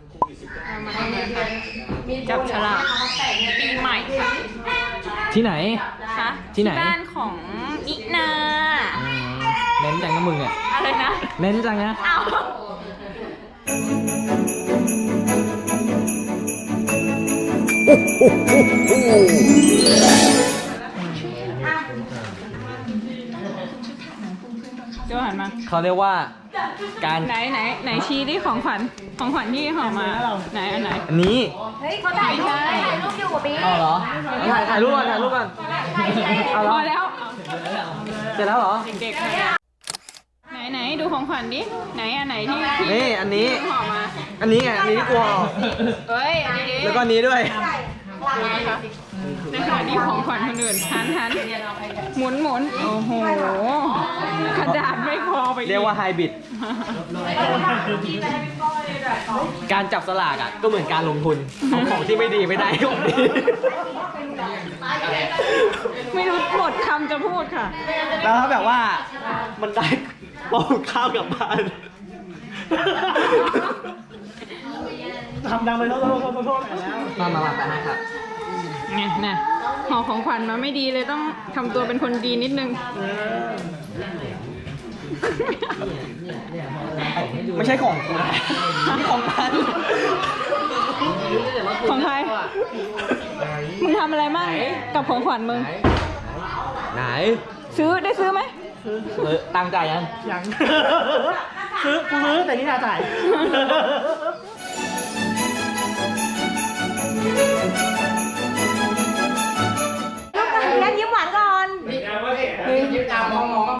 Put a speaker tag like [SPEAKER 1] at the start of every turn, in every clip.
[SPEAKER 1] มาทำอะไรคะจับฉลากปีใหม่ค่ะ
[SPEAKER 2] ที่ไหน
[SPEAKER 1] คะ
[SPEAKER 2] ที่ไหน
[SPEAKER 1] บ้านของนินา
[SPEAKER 2] เน้นจังนะมึงเนี่ย
[SPEAKER 1] อะไรนะ
[SPEAKER 2] เน้นจังนะ
[SPEAKER 1] เอา โจหันมา
[SPEAKER 2] เขาเรียกว่าการ
[SPEAKER 1] ไหนชี้ดิของขวัญที่ห่อมาไหนอันไหน
[SPEAKER 2] อันนี้
[SPEAKER 3] เฮ้ยเขาถ่ายรูปอยู่กับพี่
[SPEAKER 2] เอาเหรอถ่ายรูปก่อนเอา
[SPEAKER 1] พ
[SPEAKER 2] เหร
[SPEAKER 1] อ
[SPEAKER 2] อ
[SPEAKER 1] แล้ว
[SPEAKER 2] เสร็จแล้วเหรอ
[SPEAKER 1] เด็กๆไหนดูของขวัญดิไหนอันไหนที่
[SPEAKER 2] นี่อันนี้
[SPEAKER 1] ห่อมา
[SPEAKER 2] อันนี้ไงอันนี้ที่กลัวออก
[SPEAKER 1] เอ้ยอันนี้ดิ
[SPEAKER 2] แล้วก็อันนี้ด้วย
[SPEAKER 1] นะคะในขณะที่ของขวัญคนอื่นหันหมุนโอ้โหกระดาษไม่พอไปอี
[SPEAKER 2] เรียกว่าไฮบริดการจับสลากอ่ะก็เหมือนการลงทุนเอาของที่ไม่ดีไม่ได้ของดี
[SPEAKER 1] ไม่รู้หมดคำจะพูดค่ะ
[SPEAKER 2] แล้วถ้าแบบว่ามันได้เอาข้าวกลับบ้าน
[SPEAKER 4] ทำดังไปโทษแล้ว
[SPEAKER 2] มาไปให้ครับ
[SPEAKER 1] เนี่ยห่อของขวัญมาไม่ดีเลยต้องทำตัวเป็นคนดีนิดนึง
[SPEAKER 2] ไม่ใช่ของกูนะนี่ของมัน
[SPEAKER 1] ของใคร มึงทำอะไรมั่งกับของขวัญมึง
[SPEAKER 2] ไหน
[SPEAKER 1] ได้ซื้อไหม
[SPEAKER 2] ตังจ่ายยัง
[SPEAKER 4] ยังกูซื้อแต่นี่นาจ่าย
[SPEAKER 3] งั้นยิ้มหวานก่อน
[SPEAKER 5] ยิ้มตามมองก่อน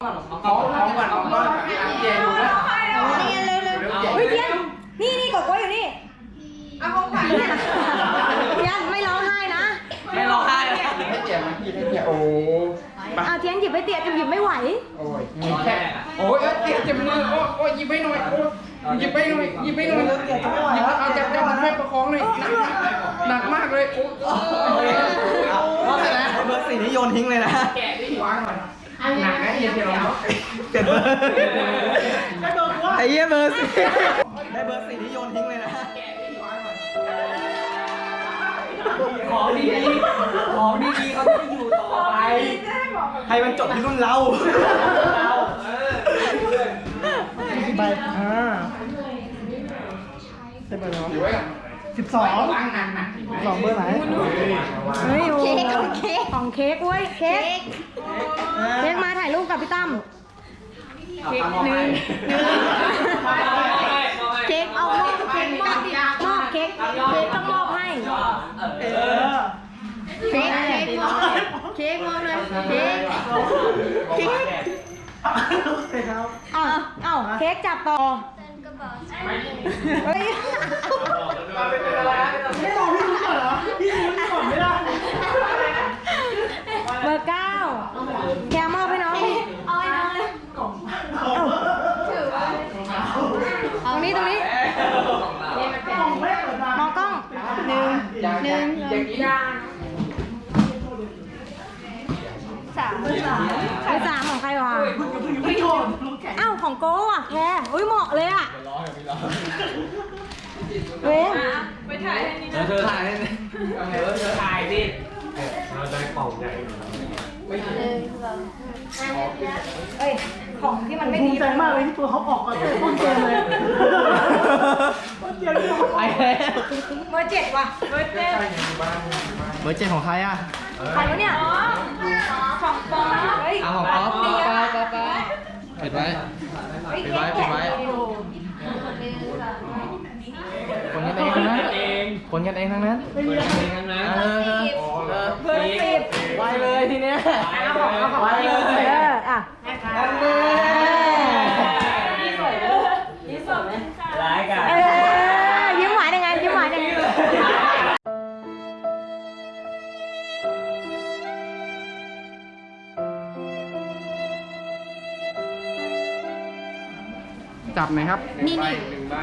[SPEAKER 5] เย็นดูนะ
[SPEAKER 3] นี่เร็วเฮ้ยเทียนนี่กดไว้อยู่นี่เอาของขวัญเนี่ยเทียนไม่ร้องไห้นะ
[SPEAKER 2] ไม่ร้องไห้
[SPEAKER 5] ให้เจ็บมันพี่ให้เจ็บโอ้
[SPEAKER 3] เอาเทียนหยิบไปเตียจะหยิบไม่ไหว
[SPEAKER 5] โอ้ยแค่โอ้ยเจ็บมือโอ้ยหยิบไปหน่อยโอ้ยหยิบไปหน่อยหยิบเอาจับแม่ประคองหน่อยหนักมากเลยโอ้ย
[SPEAKER 2] ว่าไงนะเบอร์สี่นี่โยนทิ้งเลยนะ
[SPEAKER 5] แกะดิวางก่อนหนักนะเย็นเดี๋ยวเรา
[SPEAKER 2] เปลี่ยนเบอร์ไอ้เหี้ยเบอร์สี่ได้เบอร์สี่นี่โยนทิ้งเลยนะของดีๆเขาจะได้อยู่ต่อไปให้มันจบที่รุ่นเรา
[SPEAKER 4] กี่ใบเป็นใบแล้ว
[SPEAKER 5] ถือไว้ก่อน
[SPEAKER 4] 12
[SPEAKER 5] วางหนัก
[SPEAKER 4] 2เบอร์ไหน
[SPEAKER 3] เฮ้ยโอ้ของเค้กเว้ยเค้กมาถ่ายรูปกับพี่ตั้มเค้กหนึ่งเค้กเอามอบเค้กมอบเค้กต้องมอบให้เค้กมอบเลยเค้กเอ้าเค้กจับต่อเฮ้ย
[SPEAKER 4] ไม่รอพี่รู้ก่อนเหรอ พี่รู้ก่อนไม่ได้
[SPEAKER 3] เบอร์ 9แกมอบให้น้องดิเอาให้น้องเลยตรงนี้มองกล้องหนึ่ง
[SPEAKER 5] อย่างนี้
[SPEAKER 3] เบอร์สามของใครวะอ้าวของโก้อ่ะแคอุ้ยเหมาะเลยอ่ะเว้ย
[SPEAKER 1] ไปถ่ายให้นี่นะ
[SPEAKER 2] เธอถ่ายได้ไหม
[SPEAKER 5] เธอถ่ายดิ
[SPEAKER 3] เอ้ยของที่มันไม่
[SPEAKER 4] ภู
[SPEAKER 3] ดี
[SPEAKER 4] มิใจมากเลยที่ตัวเขาออกมาเตะต้นเกมเลยต้นเกมที่เขา
[SPEAKER 2] ไปแล้ว
[SPEAKER 3] เบอร์ 7ว่ะเบอร์ 7
[SPEAKER 2] เบอร์เจ็ดของใครอ่ะ
[SPEAKER 3] ใครวะเนี่ยของปอเฮ้ย
[SPEAKER 2] เอาของป๊อปปิดไว้ปิดไว้คนกันเองทั้งนั้นคนกันเองทั้งนั้นเบอร์10ไวเลยทีเนี้ยไวเลย
[SPEAKER 3] อ่ะ
[SPEAKER 2] ร้ายกัน
[SPEAKER 3] ยิ้มหวานยังไงยิ้มหวานยังไง
[SPEAKER 5] จับหน่อยครับ
[SPEAKER 3] นี่
[SPEAKER 5] หนึ่งใบ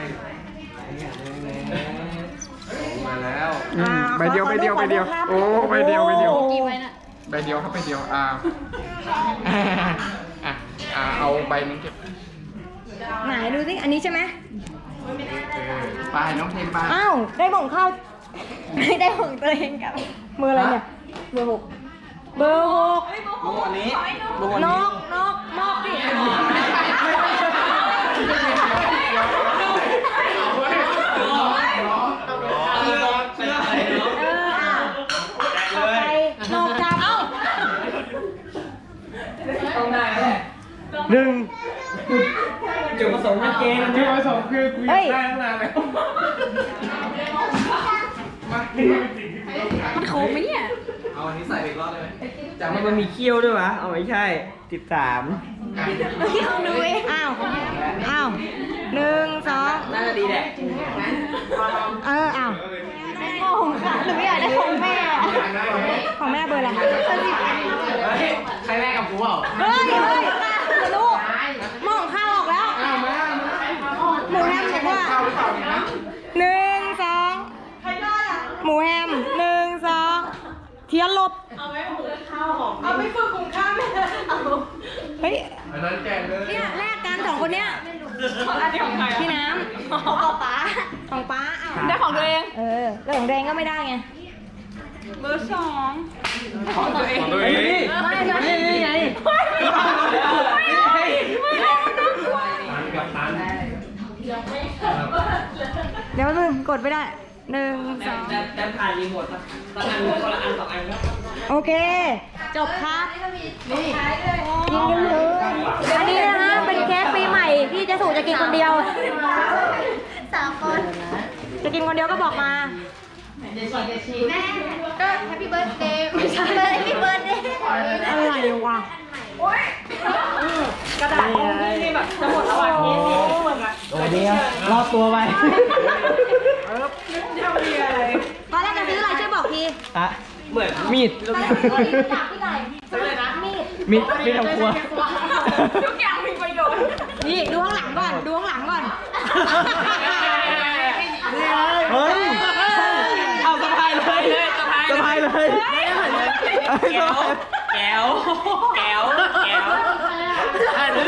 [SPEAKER 5] มาแล้วใบเดียวโอ้ใบเดียว
[SPEAKER 3] กี่ใบน่ะ
[SPEAKER 5] ใบเดียวครับใบเดียวเอาใบนึงเก็บ
[SPEAKER 3] ไหนดูสิอันนี้ใช่ไหม
[SPEAKER 5] ไปน้องเทมไป
[SPEAKER 3] อ้าวได้ของข้าว ได้ของตัวเองกับเบอร์อะไรเนี่ยเบอร์ 6เบอร์ 6
[SPEAKER 2] โมอันนี้โมอัน
[SPEAKER 3] น
[SPEAKER 2] นี้
[SPEAKER 3] กดิ
[SPEAKER 2] เชื่ออะไรเนาะ
[SPEAKER 3] ต่อไปนกจับ
[SPEAKER 2] ต้องได้แล้วแหละหนึ่งจุดประสงค์ชัดเจน
[SPEAKER 5] จุดประสงค์คือกูอยากได้ตั้งนานแล้ว
[SPEAKER 1] มันโคมไหมเนี่ย
[SPEAKER 2] เอาอันนี้ใส่ไปอีกรอบได้ไหมแต่มันมีเขี้ยวด้วยวะเอาไม่ใช่13
[SPEAKER 3] ที่ของดูเองอ้าว1 2
[SPEAKER 2] น่าจะดีแหละ
[SPEAKER 3] อ้าวของค่ะหรือไม่อยากได้ของแม่ของแม่เบอร์อะไร
[SPEAKER 2] ใครแม่กับกูเปล่า
[SPEAKER 3] เฮ้ยลูกหม้อของข้าวออกแล้ว
[SPEAKER 5] เอามา
[SPEAKER 3] หมูแฮมบอกว่า
[SPEAKER 5] เข้าหรือเปล่าเนี่ยนะ
[SPEAKER 3] 1 2หมูแฮม1 2เทียนลบเอาไม่ฝึกหุงข้าวเฮ้ย
[SPEAKER 5] อันนั้นแจกเลย
[SPEAKER 3] เนี่ยแลกกันสองคนเนี้ย
[SPEAKER 1] อันนี้ของใครอะ
[SPEAKER 3] พี่น้ำของป้าของป้าอ้าว
[SPEAKER 1] ได้ของตัวเอง
[SPEAKER 3] แล้วของแดงก็ไม่ได้ไง
[SPEAKER 1] เบอร์ 2 ของตัวเอง
[SPEAKER 2] เฮ้ย
[SPEAKER 3] ไม่นี่ไงเดี๋ยวมึงกดไม่ได้1 2
[SPEAKER 2] แต่ผ่านรีโมทสักอันคนละอัน2 อันแล้ว
[SPEAKER 3] โอเค จบครับนี่ยิงกันเลยอันนี้นะฮะเป็นเค้กปีใหม่ที่เจะสู่จะกินคนเดียว3 คนจะกินคนเดียวก็บอกมาก็แฮปปี้เบิร์ดเดย์ไม่ใช่แฮปปี้เบิร์ดเดย์อะไรวะกระดาษนี่แบบจะหมดแล้วอ่ะเค้กนี่
[SPEAKER 2] โอ้เดียวรอบตัวไป
[SPEAKER 3] ตอนแรกจะซื้ออะไรช่วยบอกที
[SPEAKER 2] อะเหมือนมีด
[SPEAKER 3] ตอนแรกจะซื้อที่ไหนซื้อเลยนะมีด
[SPEAKER 2] มีดทำครัว
[SPEAKER 1] ทุกอย่างมีประโยชน์
[SPEAKER 3] นี่ดูข้างหลังก่อนดูข้างหลังก่อน
[SPEAKER 2] เฮ้ย เอาสะพายเลยสะพายเลยแก้วแก้วแก้วแก้ว